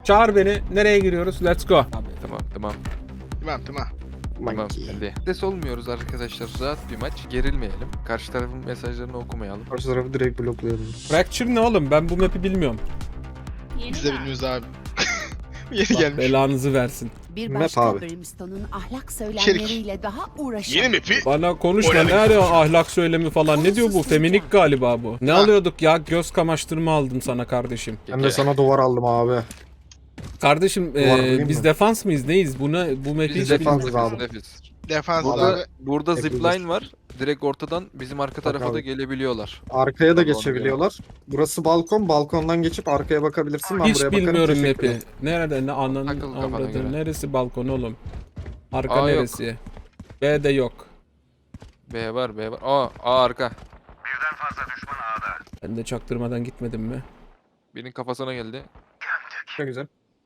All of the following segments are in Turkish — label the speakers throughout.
Speaker 1: Çağır beni. Nereye giriyoruz? Let's go.
Speaker 2: Tamam.
Speaker 3: Tamam.
Speaker 4: Monkey.
Speaker 3: Hadi. Stres olmuyoruz arkadaşlar. Rahat bir maç. Gerilmeyelim. Karşı tarafın mesajlarını okumayalım.
Speaker 4: Karşı tarafı direkt bloklayalım.
Speaker 1: Fracture ne oğlum? Ben bu map'i bilmiyorum.
Speaker 5: Biz de bilmiyoruz abi. Yeni
Speaker 1: Allah
Speaker 5: gelmiş.
Speaker 1: belanızı versin.
Speaker 6: Bir
Speaker 4: Map
Speaker 6: başka
Speaker 4: abi.
Speaker 6: Brimstone'un ahlak söylemleriyle daha uğraşan.
Speaker 5: Yeni map'i.
Speaker 1: Bana konuşma. Ne arıyor ahlak söylemi falan. Ne diyor bu? Feminik galiba bu. Ne
Speaker 5: Ha.
Speaker 1: alıyorduk ya? Göz kamaştırma aldım sana kardeşim.
Speaker 4: Ben de sana duvar aldım abi.
Speaker 1: Kardeşim
Speaker 4: bulayım
Speaker 1: biz
Speaker 4: mı?
Speaker 1: defans mıyız? Neyiz? Bu map'i
Speaker 3: Biz
Speaker 1: hiç
Speaker 4: defans
Speaker 1: bilmiyorum.
Speaker 4: abi.
Speaker 3: Nefis.
Speaker 5: Defans abi.
Speaker 3: Burada
Speaker 4: Hepimiz.
Speaker 3: zipline var. Direkt ortadan bizim arka tarafa
Speaker 4: abi.
Speaker 3: da gelebiliyorlar.
Speaker 4: Arkaya da
Speaker 3: Tamam,
Speaker 4: geçebiliyorlar. Burası balkon. Balkondan geçip arkaya bakabilirsin. Ben
Speaker 1: Hiç
Speaker 4: buraya bakarım.
Speaker 1: bilmiyorum
Speaker 4: Teşekkür
Speaker 1: map'i.
Speaker 4: ederim.
Speaker 1: Nerede? Ne ananın
Speaker 3: Takıl kafana
Speaker 1: avradı?
Speaker 3: göre.
Speaker 1: Neresi balkon oğlum? Arka
Speaker 3: A yok.
Speaker 1: neresi? B de yok.
Speaker 3: B var. A arka.
Speaker 1: Ben de çaktırmadan gitmedim mi?
Speaker 3: Birinin kafasına geldi.
Speaker 4: Ne güzel.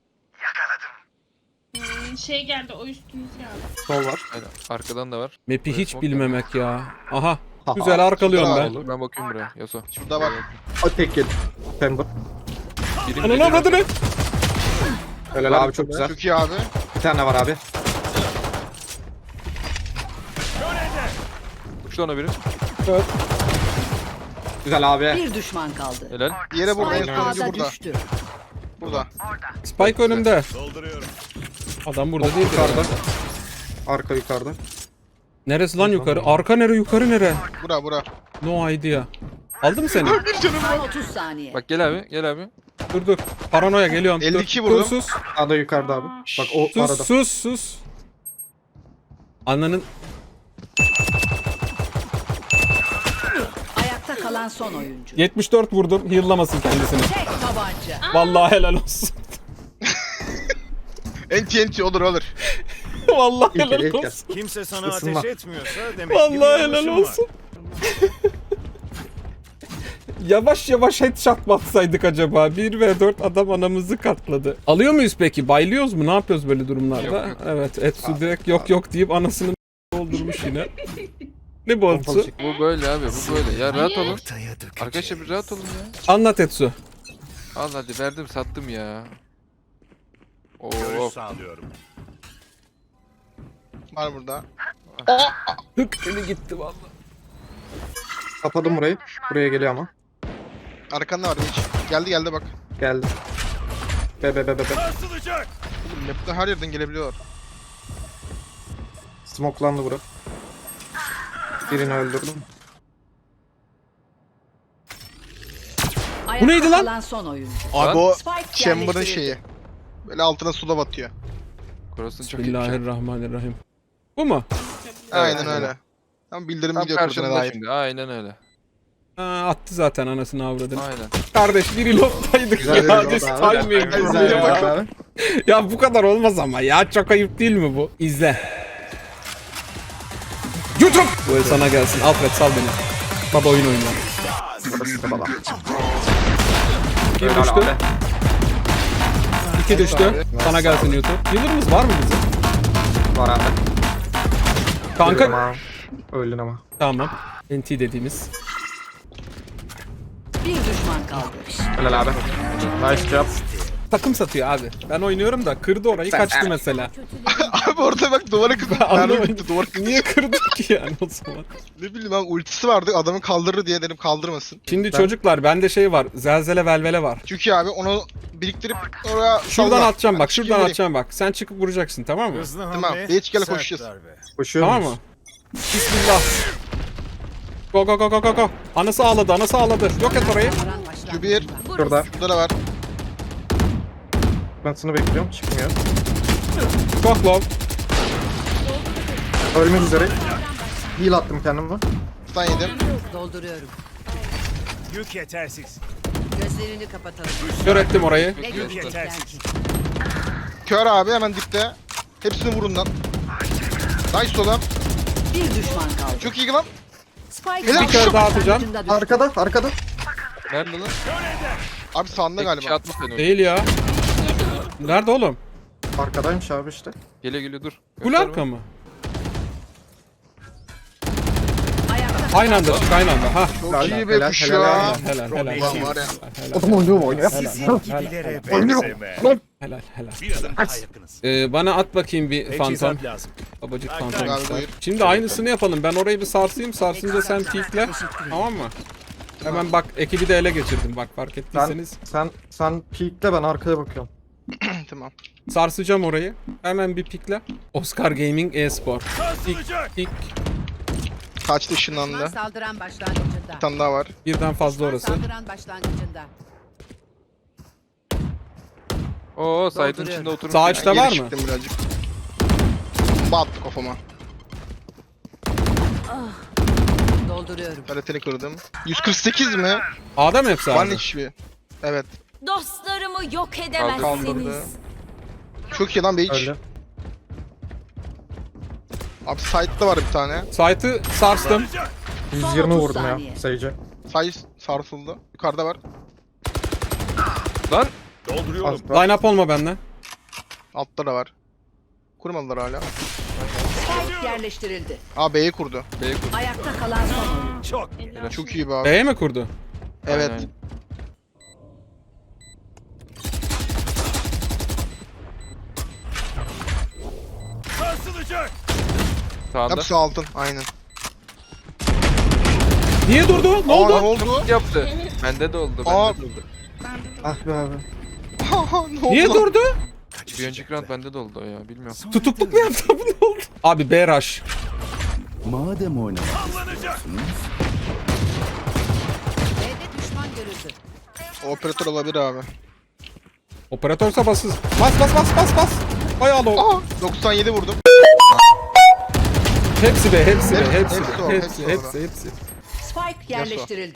Speaker 7: Şey geldi, o üstümüz geldi.
Speaker 4: Sol var.
Speaker 3: Aynen. Arkadan da var.
Speaker 1: Map'i
Speaker 3: Buraya
Speaker 1: hiç
Speaker 3: smoke
Speaker 1: bilmemek ya. Aha. Güzel arkalıyorum
Speaker 5: Şurada
Speaker 1: ben.
Speaker 3: Ben bakıyorum buraya. Yaso.
Speaker 5: Şurada bak.
Speaker 4: O tek yedi. Pember.
Speaker 3: Birim
Speaker 1: Ananı avradını.
Speaker 4: Helal abi çok güzel.
Speaker 5: Çok iyi abi.
Speaker 4: Bir tane var abi.
Speaker 3: Uçtu ona biri.
Speaker 4: Güzel abi.
Speaker 6: Bir düşman kaldı.
Speaker 3: Helal.
Speaker 5: Yere burada. En
Speaker 6: Spike
Speaker 5: sonuncu
Speaker 6: A'da
Speaker 5: burada.
Speaker 6: düştü.
Speaker 5: Burada.
Speaker 1: Spike önümde. Adam burada değil.
Speaker 4: Yukarıda. Arka yukarıda.
Speaker 1: Neresi lan yukarı? Arka nere yukarı nere?
Speaker 5: Bura.
Speaker 1: No idea. Aldı mı seni?
Speaker 6: Son 30 saniye.
Speaker 3: Bak gel abi. Gel abi.
Speaker 1: Dur. Paranoya geliyorum.
Speaker 5: 52
Speaker 1: dur,
Speaker 5: vurdum.
Speaker 1: sus.
Speaker 4: Sağda yukarıda abi. Bak o arada.
Speaker 1: Sus. Ananın
Speaker 6: Ayakta kalan son oyuncu.
Speaker 1: 74 vurdum. Heal'lamasın kendisini.
Speaker 6: Tek tabanca.
Speaker 1: Vallahi helal olsun.
Speaker 5: Enti olur.
Speaker 1: Vallahi
Speaker 4: İlk
Speaker 1: helal
Speaker 4: el, ilk el.
Speaker 1: olsun.
Speaker 8: Kimse sana
Speaker 4: Isınma.
Speaker 8: ateş etmiyorsa demek ki
Speaker 1: Vallahi
Speaker 8: bir
Speaker 1: helal
Speaker 8: yanlışın var.
Speaker 1: olsun. Yavaş headshot mı atsaydık acaba? 1v4 adam anamızı katladı. Alıyor muyuz peki? Baylıyoruz mu? Ne yapıyoruz böyle durumlarda?
Speaker 3: Yok.
Speaker 1: Evet. Etsu direkt yok deyip anasını doldurmuş yine. Ne bu Etsu?
Speaker 3: Bu böyle abi. Bu böyle. Ya rahat olun. Arkadaşlar bir rahat olun ya.
Speaker 1: Anlat Etsu.
Speaker 3: Al hadi verdim sattım ya.
Speaker 8: Görüş
Speaker 3: Oo.
Speaker 8: sağlıyorum.
Speaker 5: Var burada.
Speaker 1: Hık eli gitti vallahi.
Speaker 4: Kapadım burayı. Buraya geliyor ama.
Speaker 5: Arkanda var hiç. Geldi bak.
Speaker 4: Geldi. Be.
Speaker 8: Sarsılacak.
Speaker 5: Oğlum map'te her yerden gelebiliyorlar.
Speaker 4: Smoklandı bura. Birini öldürdüm.
Speaker 6: Ayakta
Speaker 1: neydi lan?
Speaker 6: kalan son oyuncu.
Speaker 5: Abi o
Speaker 6: Spike
Speaker 5: chamber'ın
Speaker 6: yerleştirildi.
Speaker 5: şeyi. Böyle altına suda batıyor.
Speaker 3: Cross'un çok iyi.
Speaker 1: Bismillahirrahmanirrahim. Bu mu?
Speaker 5: Aynen öyle. Tam bildirim
Speaker 3: Tam
Speaker 5: gidiyor kurşuna
Speaker 3: karşımda
Speaker 5: dair.
Speaker 3: şimdi. Aynen öyle.
Speaker 1: Ha, attı zaten anasını avradını.
Speaker 3: Aynen.
Speaker 1: Kardeş bir reload'daydık
Speaker 4: Güzel
Speaker 1: ya.
Speaker 4: reload
Speaker 1: This
Speaker 4: abi.
Speaker 1: timing.
Speaker 4: Güzel
Speaker 1: ya.
Speaker 4: bak abi.
Speaker 1: Ya bu kadar olmaz ama ya. Çok ayıp değil mi bu? İzle. YouTube! Bu el sana gelsin. Alfred sal beni. Baba oyun oynuyor.
Speaker 4: Burası da baba.
Speaker 1: Bir düştü. İki düştü. Sana gelsin YouTube. Healer'ımız var mı bizim?
Speaker 4: Var abi.
Speaker 1: Kanka.
Speaker 4: Ama öldün ama.
Speaker 1: Tamam. NT dediğimiz.
Speaker 6: Bir düşman kaldı.
Speaker 4: Helal abi. Nice job.
Speaker 1: Takım satıyor abi. Ben oynuyorum da kırdı orayı kaçtı mesela.
Speaker 5: Abi orada bak duvara kırdı. Mermi
Speaker 1: Anlamadım.
Speaker 5: bitti duvar kırdı.
Speaker 1: Niye kırdı ki yani o zaman?
Speaker 5: Ne bileyim ben ultisi vardı adamı kaldırır diye dedim kaldırmasın.
Speaker 1: Şimdi çocuklar bende şey var. Zelzele velvele var.
Speaker 5: Çünkü abi onu biriktirip oraya
Speaker 1: Şuradan
Speaker 5: salla.
Speaker 1: atacağım bak.
Speaker 5: Ben
Speaker 1: Şuradan
Speaker 5: çıkayım
Speaker 1: atacağım bak. Sen çıkıp vuracaksın tamam mı?
Speaker 8: Hızlı
Speaker 5: Tamam,
Speaker 8: hamle,
Speaker 5: geç gel,
Speaker 8: sert
Speaker 5: koşacağız.
Speaker 8: darbe.
Speaker 4: Koşuyor
Speaker 1: Tamam
Speaker 4: muyuz?
Speaker 1: mı? Bismillah. Go. Anası ağladı. Yok et orayı.
Speaker 6: Karan başlangıcında.
Speaker 5: Şu bir.
Speaker 4: Şurada.
Speaker 5: Burada da var.
Speaker 4: Ben sana bekliyorum. Çıkmıyor.
Speaker 1: Çok low.
Speaker 4: Ölmek üzere. Heal attım kendime.
Speaker 5: Stun yedim.
Speaker 6: Dolduruyorum.
Speaker 8: Yük yetersiz.
Speaker 6: Gözlerini kapatalım.
Speaker 1: Kör ettim orayı.
Speaker 6: Ne görecekler ki?
Speaker 5: Kör abi hemen dipte. Hepsini vurun lan. Nice oğlum.
Speaker 6: Bir düşman kaldı.
Speaker 5: Çok iyi lan.
Speaker 6: Spike
Speaker 5: Bir
Speaker 1: kere daha atacağım.
Speaker 6: başlangıcında düştü.
Speaker 4: Arkada.
Speaker 3: Nerede lan?
Speaker 5: Abi sağında
Speaker 3: Tek kişi
Speaker 5: galiba.
Speaker 3: atmış seni.
Speaker 1: Değil ya. Nerede oğlum?
Speaker 4: Arkadaymış abi işte.
Speaker 3: Geliyor dur.
Speaker 1: Kul
Speaker 3: Gösterme.
Speaker 1: arka mı?
Speaker 6: Ayakta
Speaker 1: Aynı anda çık aynı anda. Ha.
Speaker 5: Çok iyi be
Speaker 4: helal,
Speaker 5: kuş
Speaker 4: helal,
Speaker 5: ya.
Speaker 1: helal.
Speaker 5: Ulan var ya.
Speaker 4: Adam oynuyor mu oynuyor?
Speaker 8: Gibilere
Speaker 4: Oynuyor.
Speaker 8: benzeme.
Speaker 4: Lan.
Speaker 1: Helal helal.
Speaker 8: Bir adım daha yakınız.
Speaker 1: Bana at bakayım bir fantom.
Speaker 8: Teçhizat lazım.
Speaker 1: Babacık
Speaker 8: Ay,
Speaker 1: fantom.
Speaker 5: gel,
Speaker 1: ister.
Speaker 5: buyur.
Speaker 1: Şimdi aynısını yapalım. Ben orayı bir sarsayım. Sarsınca sen peekle. Tamam mı? Hemen bak ekibi de ele geçirdim. Bak fark ettiyseniz.
Speaker 4: Sen peekle, ben arkaya bakıyorum.
Speaker 5: Tamam.
Speaker 1: Sarsacağım orayı. Hemen bir pikle. Oscar Gaming e-spor.
Speaker 8: Sarsılacak.
Speaker 1: Pik.
Speaker 5: Kaçtı ışınlandı.
Speaker 6: Düşman saldıran başlangıcında.
Speaker 5: Bir tane daha var.
Speaker 1: Birden fazla
Speaker 6: Düşman
Speaker 1: orası.
Speaker 6: saldıran başlangıcında.
Speaker 3: Oo site'ın içinde oturmuş.
Speaker 1: Sağ
Speaker 3: ya.
Speaker 1: içte
Speaker 5: Geri
Speaker 1: var mı?
Speaker 5: çıktım birazcık. Bat kafama.
Speaker 6: Dolduruyorum.
Speaker 5: Paletini kırdım. 148 mi?
Speaker 1: A'da mı hepsi
Speaker 5: Var
Speaker 1: abi?
Speaker 5: hiçbir. Evet.
Speaker 2: Dostlarımı yok
Speaker 5: Kaldırdı.
Speaker 2: edemezsiniz.
Speaker 5: Çok iyi lan Beach.
Speaker 4: Öyle.
Speaker 5: Abi site'da var bir tane.
Speaker 1: Site'ı sarstım.
Speaker 4: 120
Speaker 6: 30
Speaker 4: vurdum ya
Speaker 6: saniye.
Speaker 4: sayıca.
Speaker 5: Size sarsıldı. Yukarıda var.
Speaker 3: Lan
Speaker 8: Dolduruyorum.
Speaker 1: Line up olma benden.
Speaker 5: Altta da var. Kurmadılar hala.
Speaker 6: Spike yerleştirildi.
Speaker 5: Aa B'yi kurdu.
Speaker 3: B'ye kur.
Speaker 6: Ayakta kalan son oyuncu.
Speaker 8: Çok.
Speaker 5: Çok iyi be abi.
Speaker 1: B'ye mi kurdu?
Speaker 5: Evet.
Speaker 3: Aynen.
Speaker 8: Sarsılacak.
Speaker 3: Sağında.
Speaker 5: Hepsi altın. Aynen.
Speaker 1: Niye durdu? Ne
Speaker 5: Aa, ne
Speaker 1: oldu?
Speaker 5: oldu?
Speaker 3: Yaptı. Bende de oldu.
Speaker 5: Aa.
Speaker 3: Bende de oldu.
Speaker 4: Ah be abi.
Speaker 5: ne oldu?
Speaker 1: Niye durdu?
Speaker 3: Bir önceki round bende de oldu o ya. Bilmiyorum.
Speaker 1: Tutukluk mu yaptı? Bu ne oldu? Abi B rush.
Speaker 8: Sallanacak.
Speaker 6: B'de düşman görüldü.
Speaker 5: Operatör olabilir abi.
Speaker 1: Operatör sabahsız. Bas bas bas bas bas. Hay Allah.
Speaker 5: Aa 97 vurdum.
Speaker 1: Hepsi B, hepsi B,
Speaker 5: Hepsi-
Speaker 1: hepsi
Speaker 5: hepsi
Speaker 1: B,
Speaker 5: o,
Speaker 1: hepsi,
Speaker 5: hepsi
Speaker 1: hepsi, hepsi.
Speaker 6: Spike yerleştirildi.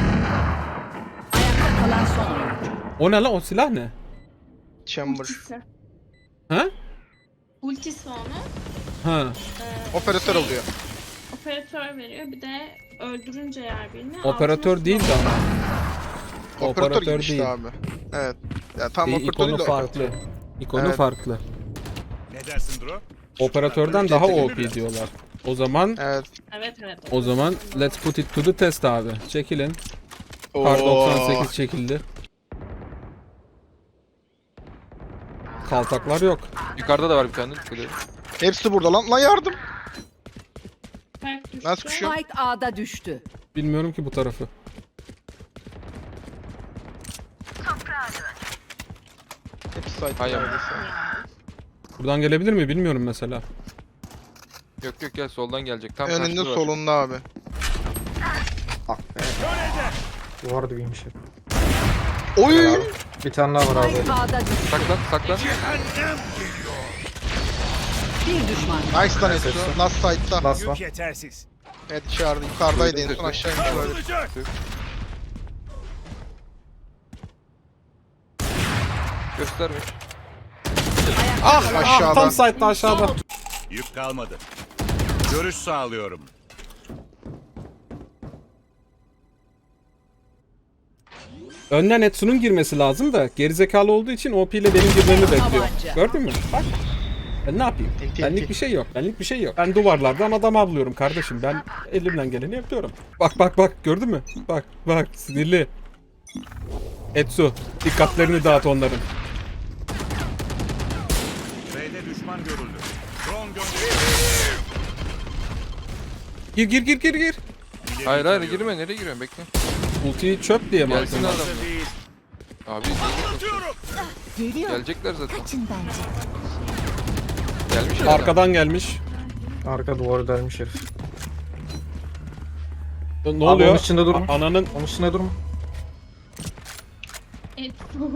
Speaker 6: Ayakta kalan son oyuncu.
Speaker 1: O ne lan? O silah ne?
Speaker 5: Chamber.
Speaker 7: Ultisi.
Speaker 1: Ha?
Speaker 7: Ultisi onu.
Speaker 1: Ha.
Speaker 5: Operatör oluyor.
Speaker 7: Operatör veriyor. Bir de öldürünce yer birini.
Speaker 1: Operatör
Speaker 7: altına
Speaker 1: değil de ama.
Speaker 5: Operatör,
Speaker 1: Operatör
Speaker 5: gibi işte
Speaker 1: değil.
Speaker 5: abi. Evet. Ya tam operatör
Speaker 1: İkonu
Speaker 5: değil de
Speaker 1: farklı. İkonu
Speaker 5: Evet.
Speaker 1: farklı.
Speaker 8: Ne dersin Dro?
Speaker 1: Operatörden daha OP diyorlar. O zaman
Speaker 5: Evet.
Speaker 7: Evet evet.
Speaker 1: o zaman let's put it to the test abi. Çekilin. Kar
Speaker 5: Oo.
Speaker 1: 98 çekildi. Kaltaklar yok.
Speaker 3: Yukarıda da var bir tane. Dikkat edin.
Speaker 5: Hepsi burada lan. Lan yardım.
Speaker 7: Spike düştü.
Speaker 5: Ben sıkışıyorum.
Speaker 6: Spike A'da düştü.
Speaker 1: Bilmiyorum ki bu tarafı.
Speaker 5: Hepsi site.
Speaker 3: Hayır.
Speaker 1: Buradan gelebilir mi bilmiyorum mesela.
Speaker 3: Yok yok gel soldan gelecek. Tam
Speaker 5: Önünde
Speaker 3: karşıda var.
Speaker 5: solunda abi.
Speaker 4: Ah be. Duvar dibiymiş hep.
Speaker 5: Oy!
Speaker 4: Bir tane daha var abi.
Speaker 6: Spike A'da düştü.
Speaker 3: Saklan saklan.
Speaker 6: Bir düşman.
Speaker 5: Nice lan Etsu. Last site'da.
Speaker 4: Last
Speaker 8: Yük
Speaker 4: var.
Speaker 8: yetersiz.
Speaker 5: Evet dışarıda. Yukarıdaydı en son aşağı inmiş olabilir.
Speaker 8: Sarsılacak.
Speaker 3: Gösterme.
Speaker 1: Ah,
Speaker 5: Aşağıdan.
Speaker 1: tam site'da aşağıda.
Speaker 8: Yük kalmadı. Görüş sağlıyorum.
Speaker 1: Önden Etsu'nun girmesi lazım da gerizekalı olduğu için OP ile benim girmemi bekliyor.
Speaker 6: Tabanca.
Speaker 1: Gördün mü? Bak. Ben ne yapayım?
Speaker 5: Enti,
Speaker 1: Benlik
Speaker 5: enti.
Speaker 1: bir şey yok. Benlik bir şey yok. Ben duvarlardan adam avlıyorum kardeşim. Ben elimden geleni yapıyorum. Bak bak bak gördün mü? Bak bak sinirli. Etsu dikkatlerini dağıt onların.
Speaker 8: B'de düşman görüldü. Drone gönderildi.
Speaker 1: Gir gir gir gir gir.
Speaker 8: İleri
Speaker 3: Hayır hayır
Speaker 8: tarıyorum.
Speaker 3: girme. Nereye giriyorsun? Bekle.
Speaker 1: Ultiyi çöp diye mi
Speaker 3: Gelsin
Speaker 1: aldın?
Speaker 3: adam.
Speaker 8: Hazır değil.
Speaker 3: Abi gelecekler. Gelecekler zaten. Gelmiş herhalde.
Speaker 1: Arkadan gelmiş.
Speaker 4: Arka duvarı delmiş herif.
Speaker 1: Ne
Speaker 4: Abi
Speaker 1: oluyor?
Speaker 4: onun içinde durma.
Speaker 1: Ananın
Speaker 4: Onun üstüne durma.
Speaker 7: Et.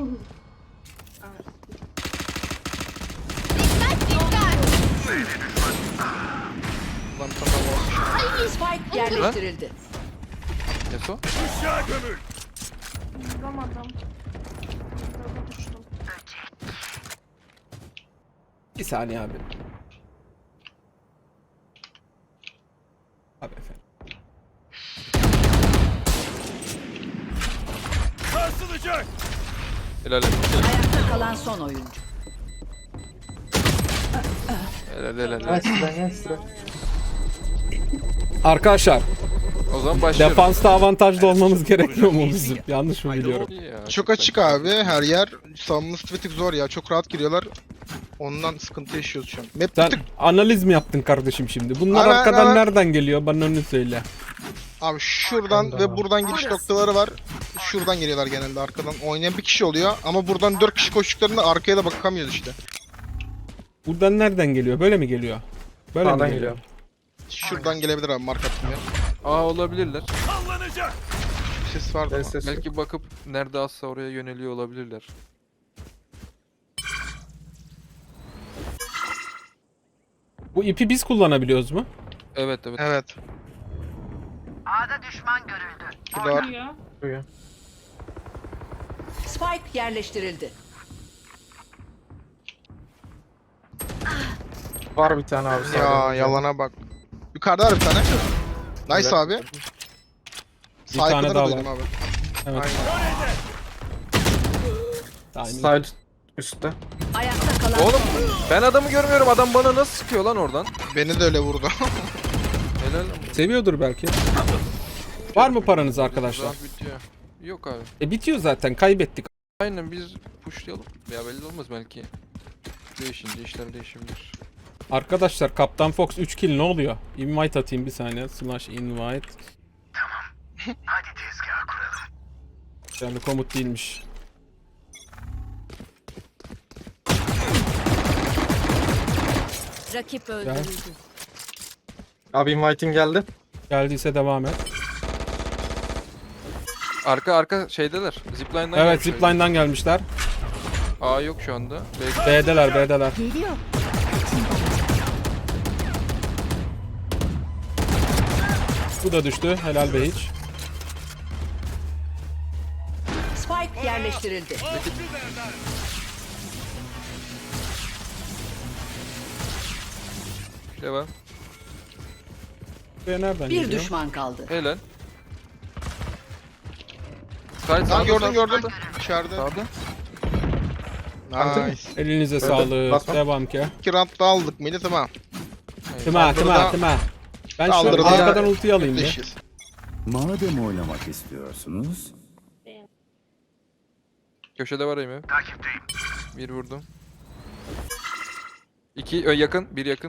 Speaker 5: Lan tamam.
Speaker 6: Spike yerleştirildi.
Speaker 3: Eso.
Speaker 8: Aşağı gömül.
Speaker 7: Vuramadım. Burada düştüm.
Speaker 1: bir saniye abi. Abi efendim.
Speaker 8: Sarsılacak.
Speaker 3: Helal
Speaker 6: Ayakta kalan son oyuncu.
Speaker 3: helal helal.
Speaker 4: Gel sıra gel sıra.
Speaker 1: Arkadaşlar
Speaker 3: O zaman başlıyorum.
Speaker 1: Defansta avantajlı olmamız gerekmiyor mu bizim? Yanlış mı biliyorum?
Speaker 3: İyi ya,
Speaker 5: Çok açık abi her yer. Savunması bir tık zor ya. Çok rahat giriyorlar. Ondan sıkıntı yaşıyoruz şu an. Map bir
Speaker 1: Sen
Speaker 5: tık
Speaker 1: analiz mi yaptın kardeşim şimdi? Bunlar
Speaker 5: Aynen,
Speaker 1: arkadan
Speaker 5: aynen.
Speaker 1: nereden geliyor? Bana onu söyle.
Speaker 5: abi şuradan ve buradan giriş noktaları var. Şuradan geliyorlar genelde arkadan. Oynayan bir kişi oluyor ama buradan 4 kişi koştuklarında arkaya da bakamıyoruz işte.
Speaker 1: Buradan nereden geliyor? Böyle mi geliyor? Böyle mi
Speaker 4: Sağdan
Speaker 1: geliyor?
Speaker 4: geliyor.
Speaker 5: Şuradan gelebilir abi mark attım ya.
Speaker 3: Aa olabilirler.
Speaker 8: Sallanacak.
Speaker 5: Bir ses vardı ama.
Speaker 4: Ses.
Speaker 3: Belki bakıp nerede azsa oraya yöneliyor olabilirler.
Speaker 1: Bu ipi biz kullanabiliyoruz mu?
Speaker 3: Evet evet.
Speaker 5: Evet. Burada var.
Speaker 7: Duyuyor.
Speaker 4: Duyuyor.
Speaker 6: Spike yerleştirildi.
Speaker 4: Var bir tane abi.
Speaker 5: Ya
Speaker 4: sağdan.
Speaker 5: yalana bak. Yukarıda var bir tane. Nice
Speaker 4: Evet.
Speaker 5: abi.
Speaker 1: Bir tane
Speaker 5: Saygıları
Speaker 1: daha
Speaker 5: duydum abi.
Speaker 1: Evet.
Speaker 5: Aynen.
Speaker 1: Timing.
Speaker 4: Side üstte.
Speaker 6: Ayakta kalan
Speaker 3: Oğlum
Speaker 6: son oyuncu.
Speaker 3: ben adamı görmüyorum. Adam bana nasıl sıkıyor lan oradan?
Speaker 5: Beni de öyle vurdu.
Speaker 3: Helal.
Speaker 1: Seviyordur belki. Var mı paranız arkadaşlar?
Speaker 3: Round bitiyor. Yok abi.
Speaker 1: Bitiyor zaten. Kaybettik.
Speaker 3: Aynen biz pushlayalım. Ya belli olmaz belki. Değişince işler değişebilir.
Speaker 1: Arkadaşlar Kaptan Fox 3 kill ne oluyor? Invite atayım bir saniye. Slash invite. Tamam. Hadi tezgah kuralım. Yani komut değilmiş.
Speaker 2: Rakip öldürüldü.
Speaker 4: Abi inviting geldi.
Speaker 1: Geldiyse devam et.
Speaker 3: Arka şeydeler. Zipline'dan
Speaker 1: Evet
Speaker 3: gelmişler.
Speaker 1: zipline'dan gelmişler.
Speaker 3: A yok şu anda. Belki
Speaker 1: B'deler. Bu da düştü. Helal be hiç.
Speaker 6: Spike yerleştirildi.
Speaker 3: devam.
Speaker 1: Buraya nereden
Speaker 6: Bir
Speaker 1: geliyor?
Speaker 6: düşman kaldı.
Speaker 3: Helal. Sağ
Speaker 5: Lan gördüm. İçeride.
Speaker 3: Sağda.
Speaker 5: Nice.
Speaker 1: Elinize sağlık.
Speaker 4: basma.
Speaker 1: Devam ki.
Speaker 5: 2 round daha aldık mıydı tamam.
Speaker 1: Tıma. Ben şu
Speaker 5: Kaldırdı.
Speaker 1: arkadan ultiyi alayım bir.
Speaker 5: Deşiz.
Speaker 9: Madem oynamak istiyorsunuz,
Speaker 3: Köşede var Amy. Takipteyim. Bir vurdum. İki yakın. Bir yakın.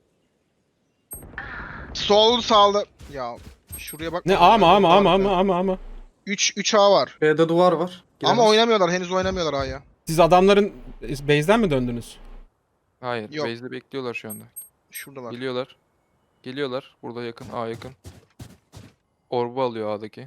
Speaker 5: Sol sağlı. Ya şuraya bak.
Speaker 1: Ne ama.
Speaker 5: 3 A var.
Speaker 4: B'de duvar var.
Speaker 5: Ama
Speaker 4: Giremez.
Speaker 5: oynamıyorlar. Henüz oynamıyorlar A'ya.
Speaker 1: Siz adamların base'den mi döndünüz?
Speaker 3: Hayır.
Speaker 5: Yok.
Speaker 3: Base'de bekliyorlar şu anda.
Speaker 5: Şuradalar.
Speaker 3: Geliyorlar. Geliyorlar. Burada yakın. A yakın. Orbu alıyor A'daki.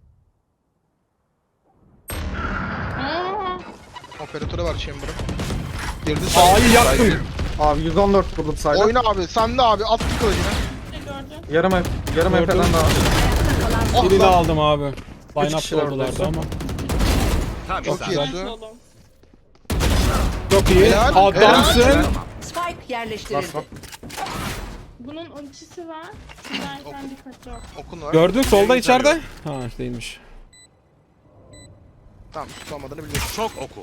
Speaker 7: Aa,
Speaker 5: Operatörü var Chamber'ın. Girdi
Speaker 1: A'yı
Speaker 5: sağ.
Speaker 1: yaktım.
Speaker 4: Abi 114 vurdum side'a.
Speaker 5: Oyna abi. Sen de abi. At bir kılıcını.
Speaker 7: ne gördün?
Speaker 4: Yarım
Speaker 1: Gördüm.
Speaker 4: FP'den daha.
Speaker 5: Oh
Speaker 1: Birini
Speaker 5: lan.
Speaker 1: aldım abi. Line up
Speaker 4: kişiler
Speaker 1: oldulardı
Speaker 4: orada.
Speaker 1: ama.
Speaker 8: Tam
Speaker 5: Çok
Speaker 8: isabet.
Speaker 5: iyi.
Speaker 7: Nice
Speaker 5: Güzel.
Speaker 7: oğlum.
Speaker 1: Çok iyi.
Speaker 5: Helal,
Speaker 1: Adamsın.
Speaker 6: Spike yerleştirildi.
Speaker 4: Basma.
Speaker 7: Bunun ultisi var. Sizlerden dikkatli ol.
Speaker 5: Okun var.
Speaker 1: Gördün solda içeride. Ha değilmiş.
Speaker 5: Tamam tutamadığını biliyorsun.
Speaker 8: Çok oku.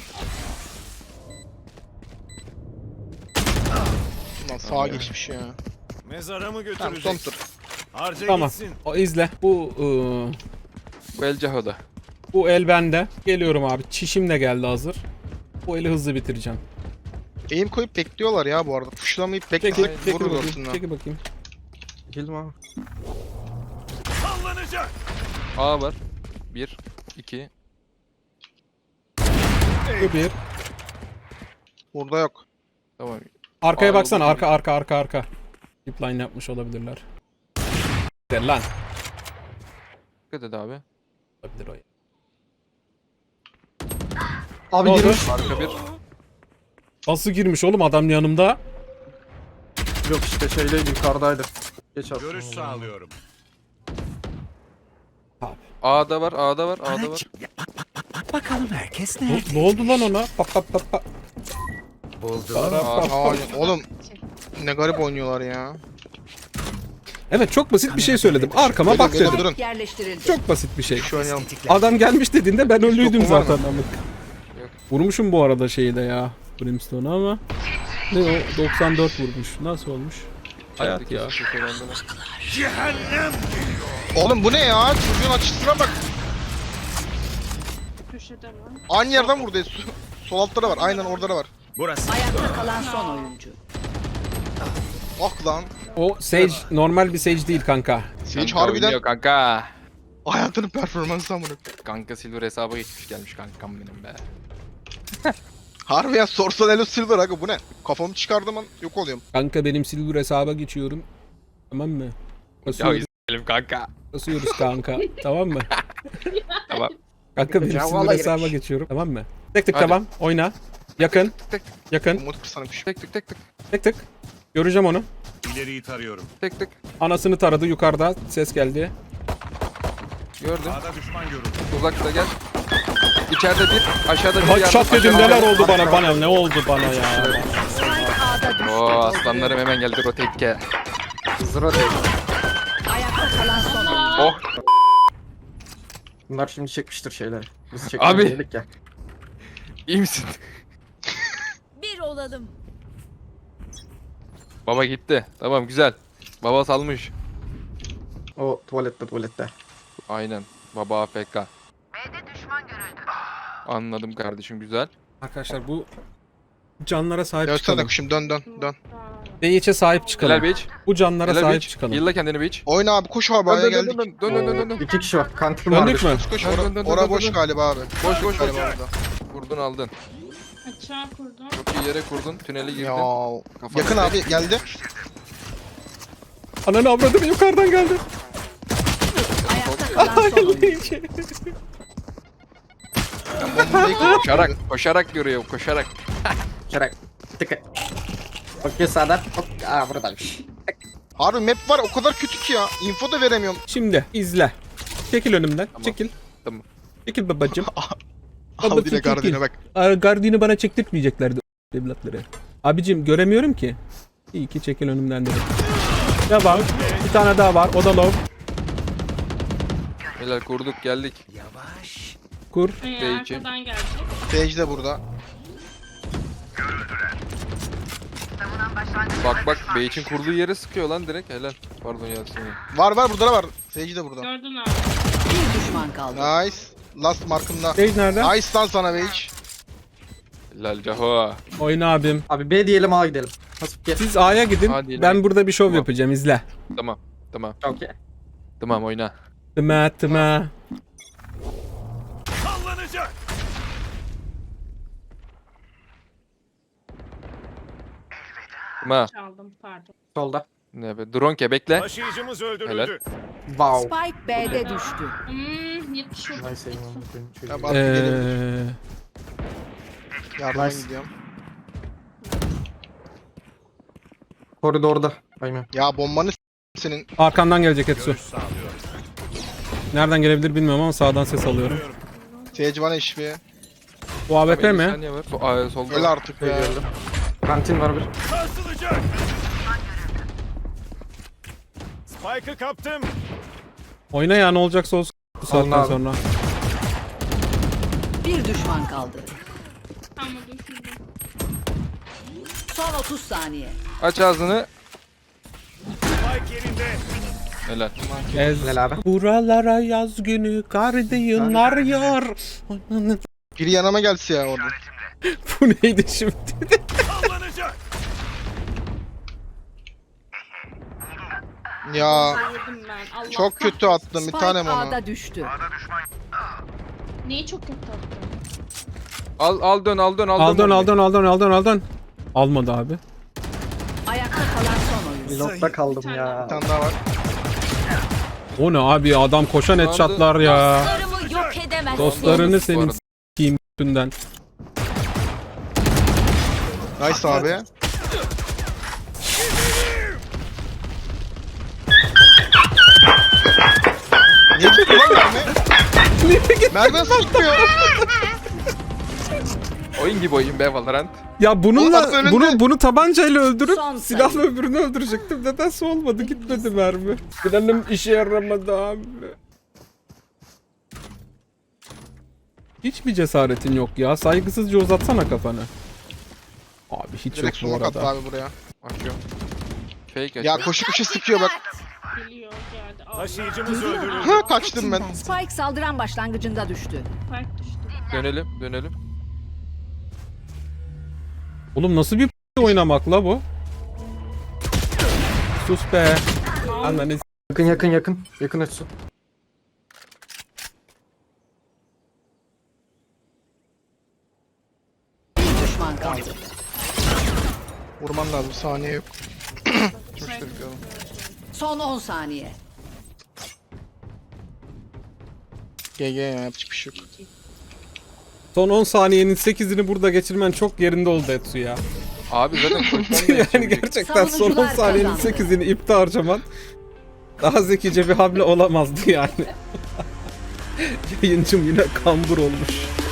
Speaker 5: Lan sağa geçmiş ya.
Speaker 8: Mezara mı
Speaker 5: Tamam son
Speaker 8: götüreceksin?
Speaker 5: tur.
Speaker 8: Harca
Speaker 1: Tamam.
Speaker 8: gitsin.
Speaker 1: O izle. Bu
Speaker 3: Bu El Caho'da.
Speaker 1: bu el bende. Geliyorum abi. Çişim de geldi hazır. Bu eli hızlı bitireceğim.
Speaker 5: Eğim koyup bekliyorlar ya bu arada. Puşlamayıp
Speaker 1: Çekil,
Speaker 5: beklesek
Speaker 1: çekil
Speaker 5: vurur
Speaker 1: bakayım.
Speaker 5: aslında.
Speaker 1: Çekil bakayım.
Speaker 4: Girdim abi.
Speaker 8: Sallanacak.
Speaker 3: A var. 1 2
Speaker 1: Bu bir.
Speaker 5: Burada yok.
Speaker 3: Tamam.
Speaker 1: Arkaya
Speaker 3: Aa,
Speaker 1: baksana.
Speaker 3: oldu.
Speaker 1: Arka. Zipline yapmış olabilirler. Der lan.
Speaker 3: Dikkat et abi.
Speaker 1: Olabilir o.
Speaker 4: Abi
Speaker 1: Ne oldu?
Speaker 4: girmiş.
Speaker 3: Arka bir.
Speaker 1: Nasıl girmiş oğlum adam yanımda?
Speaker 4: Yok işte şeyde yukarıdaydı. Geç attım.
Speaker 8: Görüş sağlıyorum.
Speaker 3: A'da var. A'da var.
Speaker 1: Ne oldu lan ona? Bak.
Speaker 5: Aa, oğlum ne garip oynuyorlar ya.
Speaker 1: Evet çok basit bir şey söyledim. Arkama bak
Speaker 5: Durun,
Speaker 1: dedim.
Speaker 5: durun.
Speaker 6: Spike yerleştirildi.
Speaker 1: Çok basit bir şey.
Speaker 5: Şu oynayalım.
Speaker 1: Adam gelmiş dediğinde ben ölüydüm
Speaker 5: Yok, var mı?
Speaker 1: zaten amık. Vurmuşum bu arada şeyi de ya. Brimstone'u ama. Ne o? 94 vurmuş. Nasıl olmuş? Hayat ya.
Speaker 3: İçerideki köşelerde var.
Speaker 8: Cehennem geliyor.
Speaker 5: Oğlum bu ne ya? Çocuğun açısına bak.
Speaker 7: Köşede var.
Speaker 5: Aynı yerden vurdu. Sol altta da var. Aynen orada da var.
Speaker 8: Burası.
Speaker 6: Ayakta kalan son oyuncu.
Speaker 5: Ah lan.
Speaker 1: O Sage normal bir Sage değil kanka.
Speaker 5: Sage
Speaker 3: Kanka
Speaker 5: harbiden
Speaker 3: oynuyor kanka.
Speaker 5: hayatının performansı amına.
Speaker 3: Kanka Silver hesaba geçmiş gelmiş kankam benim be.
Speaker 5: Harbi ya sorsan Elo Silver aga bu ne? Kafamı çıkardığım an yok oluyorum.
Speaker 1: Kanka benim Silver hesaba geçiyorum. Tamam mı?
Speaker 3: Ya
Speaker 1: Basıyoruz,
Speaker 3: izleyelim kanka.
Speaker 1: basıyoruz kanka. Tamam mı?
Speaker 3: Tamam.
Speaker 1: Kanka benim
Speaker 4: Ya
Speaker 1: Silver
Speaker 4: vallahi
Speaker 1: hesaba geçiyorum. Tamam mı? Tek tık
Speaker 3: Hadi.
Speaker 1: tamam. Oyna. Yakın.
Speaker 3: Tek
Speaker 1: Yakın.
Speaker 5: Umut kısanmış.
Speaker 3: tek tık tek tık.
Speaker 1: Tek tık. Göreceğim onu.
Speaker 8: İleriyi tarıyorum.
Speaker 3: Tek tık.
Speaker 1: Anasını taradı yukarıda. Ses geldi.
Speaker 3: Gördüm.
Speaker 8: A'da düşman görüldü.
Speaker 3: Uzakta gel. İçeride bir, aşağıda bir.
Speaker 1: Bak şat dedim
Speaker 3: aşağıda
Speaker 1: neler
Speaker 3: bir.
Speaker 1: oldu bana ne oldu bana ya.
Speaker 6: Spike A'da düştü.
Speaker 3: Oo aslanlarım hemen geldi rotate'e.
Speaker 4: Zıra değil.
Speaker 6: Ayakta kalan son oyuncu.
Speaker 3: Oh.
Speaker 4: Bunlar şimdi çekmiştir şeyleri. Biz
Speaker 3: Abi.
Speaker 4: çekmedik ya.
Speaker 3: İyi misin?
Speaker 2: Bir olalım.
Speaker 3: Baba gitti. Tamam güzel. Baba salmış.
Speaker 4: O tuvalette.
Speaker 3: Aynen. Baba AFK. Anladım kardeşim güzel.
Speaker 1: Arkadaşlar bu canlara sahip
Speaker 5: Dönsene
Speaker 1: çıkalım.
Speaker 5: kuşum dön.
Speaker 1: DH'e sahip çıkalım.
Speaker 3: Helal Beach.
Speaker 1: Bu canlara
Speaker 3: Helal
Speaker 1: sahip
Speaker 3: Beach.
Speaker 1: çıkalım.
Speaker 3: Yılla kendini Beach.
Speaker 5: Oyna abi koş abi A'ya geldik.
Speaker 3: Dön.
Speaker 4: 2 kişi var. Kantin var.
Speaker 1: Döndük mü?
Speaker 5: Koş
Speaker 3: Dön.
Speaker 5: ora boş galiba abi.
Speaker 3: Boş galiba orada. Vurdun aldın.
Speaker 7: Açığa kurdum.
Speaker 3: Çok iyi yere kurdun. Tüneli girdin.
Speaker 5: Ya
Speaker 3: Kafana
Speaker 5: yakın
Speaker 3: tek.
Speaker 5: abi geldi.
Speaker 1: Ananı avradını yukarıdan geldi.
Speaker 6: Ayakta kalan son oyuncu.
Speaker 5: Bombayı
Speaker 3: Koşarak görüyor koşarak.
Speaker 4: Çarek. Tıkı. Bakıyor sağdan. Hop. Aa buradaymış.
Speaker 5: Harbi map var o kadar kötü ki ya. Info da veremiyorum.
Speaker 1: Şimdi izle. Çekil önümden.
Speaker 3: Tamam.
Speaker 1: Çekil.
Speaker 3: Tamam.
Speaker 1: Çekil babacım.
Speaker 5: Al yine gardine bak.
Speaker 1: Gardini bana çektirtmeyeceklerdi evlatları. Abicim göremiyorum ki. İyi ki çekil önümden dedim. Devam. Bir tane daha var. O da low.
Speaker 3: Helal kurduk geldik.
Speaker 1: Kur.
Speaker 3: Peki.
Speaker 7: Arkadan gelecek.
Speaker 5: Sage de burada.
Speaker 3: Bak Beach'in kurduğu yere sıkıyor lan direkt helal. Pardon Yasin.
Speaker 5: Var burada da var. Sage de burada.
Speaker 7: Gördün abi.
Speaker 6: Bir düşman kaldı.
Speaker 5: Nice. Last markımda.
Speaker 1: Sage nerede?
Speaker 5: Nice lan sana Sage.
Speaker 3: Helal Caho.
Speaker 1: Oyna abim.
Speaker 4: Abi B diyelim A gidelim. Hasip gel.
Speaker 1: Siz A'ya gidin.
Speaker 3: Hadi
Speaker 1: Ben
Speaker 3: ileri.
Speaker 1: burada bir şov
Speaker 3: Tamam.
Speaker 1: yapacağım. İzle.
Speaker 3: Tamam.
Speaker 4: Okey.
Speaker 3: Tamam oyna.
Speaker 1: Tıma.
Speaker 8: Sallanacak.
Speaker 3: Tamam.
Speaker 7: Çaldım pardon.
Speaker 4: Solda.
Speaker 3: Ne be? Drone ke bekle.
Speaker 8: Taşıyıcımız
Speaker 3: Helal.
Speaker 8: öldürüldü.
Speaker 4: Wow.
Speaker 6: Spike B'de düştü.
Speaker 7: 70 vurdum.
Speaker 4: Nice aim on the pin.
Speaker 5: Ya bak gelebilir.
Speaker 1: Ee,
Speaker 5: Yardıma
Speaker 4: Nice.
Speaker 5: gidiyorum.
Speaker 4: Koridorda. Aynen.
Speaker 5: Ya bombanı senin.
Speaker 1: arkandan gelecek Etsu.
Speaker 8: Görüş sağlıyorum.
Speaker 1: Nereden gelebilir bilmiyorum ama sağdan ses alıyorum.
Speaker 5: Sage bana HP.
Speaker 1: Bu AWP
Speaker 3: 50
Speaker 1: mi?
Speaker 3: saniye var. Solda.
Speaker 5: Öyle artık ya.
Speaker 4: Kantin var bir.
Speaker 8: Sarsılacak. Spike'ı kaptım.
Speaker 1: Oyna ya ne olacaksa olsun bu saatten
Speaker 4: abi.
Speaker 1: sonra.
Speaker 6: Bir düşman kaldı.
Speaker 7: Ama düşürdüm.
Speaker 6: Son 30 saniye.
Speaker 3: Aç ağzını.
Speaker 8: Spike yerinde.
Speaker 3: Helal.
Speaker 1: Ez.
Speaker 4: Helal abi.
Speaker 1: Buralara yaz günü kar yağar yar. Ananı-
Speaker 5: Biri yanıma gelse ya orada.
Speaker 1: Bu neydi şimdi?
Speaker 8: Sallanacak.
Speaker 5: Ya
Speaker 7: Yedim ben. Allah
Speaker 5: çok kötü
Speaker 7: kahretsin.
Speaker 5: attım bir
Speaker 6: Spike
Speaker 5: tanem onu.
Speaker 6: A'da düştü.
Speaker 7: Neyi çok kötü attım?
Speaker 3: Al dön.
Speaker 1: Al dön. Almadı abi.
Speaker 6: Ayakta kalan son oyuncu.
Speaker 4: Reload'da kaldım ya.
Speaker 5: Bir tane daha var.
Speaker 1: O ne abi adam koşan
Speaker 3: Aldı.
Speaker 1: headshotlar ya.
Speaker 2: Dostlarımı yok edemezsin.
Speaker 1: Dostlarını
Speaker 3: Bu
Speaker 1: senin
Speaker 3: arada.
Speaker 1: s**eyim üstünden.
Speaker 5: Nice abi. Niye gitti lan mermi? Mermi nasıl gitmiyor?
Speaker 3: Oyun gibi oyun be Valorant.
Speaker 1: Ya
Speaker 5: Oğlum
Speaker 1: bununla
Speaker 5: bak önünde.
Speaker 1: bunu tabancayla öldürüp
Speaker 6: Son
Speaker 1: silahla
Speaker 6: sayı.
Speaker 1: öbürünü öldürecektim. Nedense olmadı gitmedi mermi. Planım işe yaramadı abi. Hiç mi cesaretin yok ya? Saygısızca uzatsana kafanı. Abi hiç
Speaker 5: Direkt
Speaker 1: yok bu
Speaker 5: smoke attı
Speaker 1: arada.
Speaker 5: abi buraya.
Speaker 3: Açıyorum. Fake
Speaker 5: Ya
Speaker 3: açıyor.
Speaker 5: koşu sıkıyor bak.
Speaker 7: Geliyor geldi. hadi. Al.
Speaker 8: Taşıyıcımız öldürüldü.
Speaker 5: Ha kaçtım ben.
Speaker 6: Spike saldıran başlangıcında düştü.
Speaker 7: Fark düştü.
Speaker 3: Dönelim.
Speaker 1: Oğlum nasıl bir oynamak la bu? Sus be. Ananı
Speaker 4: Yakın Etsu.
Speaker 6: Bir düşman kaldı.
Speaker 5: Vurman lazım, saniye yok.
Speaker 6: Son 10 saniye.
Speaker 5: GG ya, yapacak bir şey yok.
Speaker 1: Son 10 saniyenin 8'ini burada geçirmen çok yerinde oldu Etsu ya.
Speaker 3: Abi zaten koşmam da
Speaker 1: Yani
Speaker 3: yetişemeyecek.
Speaker 1: gerçekten son 10
Speaker 6: Savunucular
Speaker 1: saniyenin
Speaker 6: kazandı.
Speaker 1: 8'ini ipte harcaman daha zekice bir hamle olamazdı yani. Yayıncım yine kambur olmuş.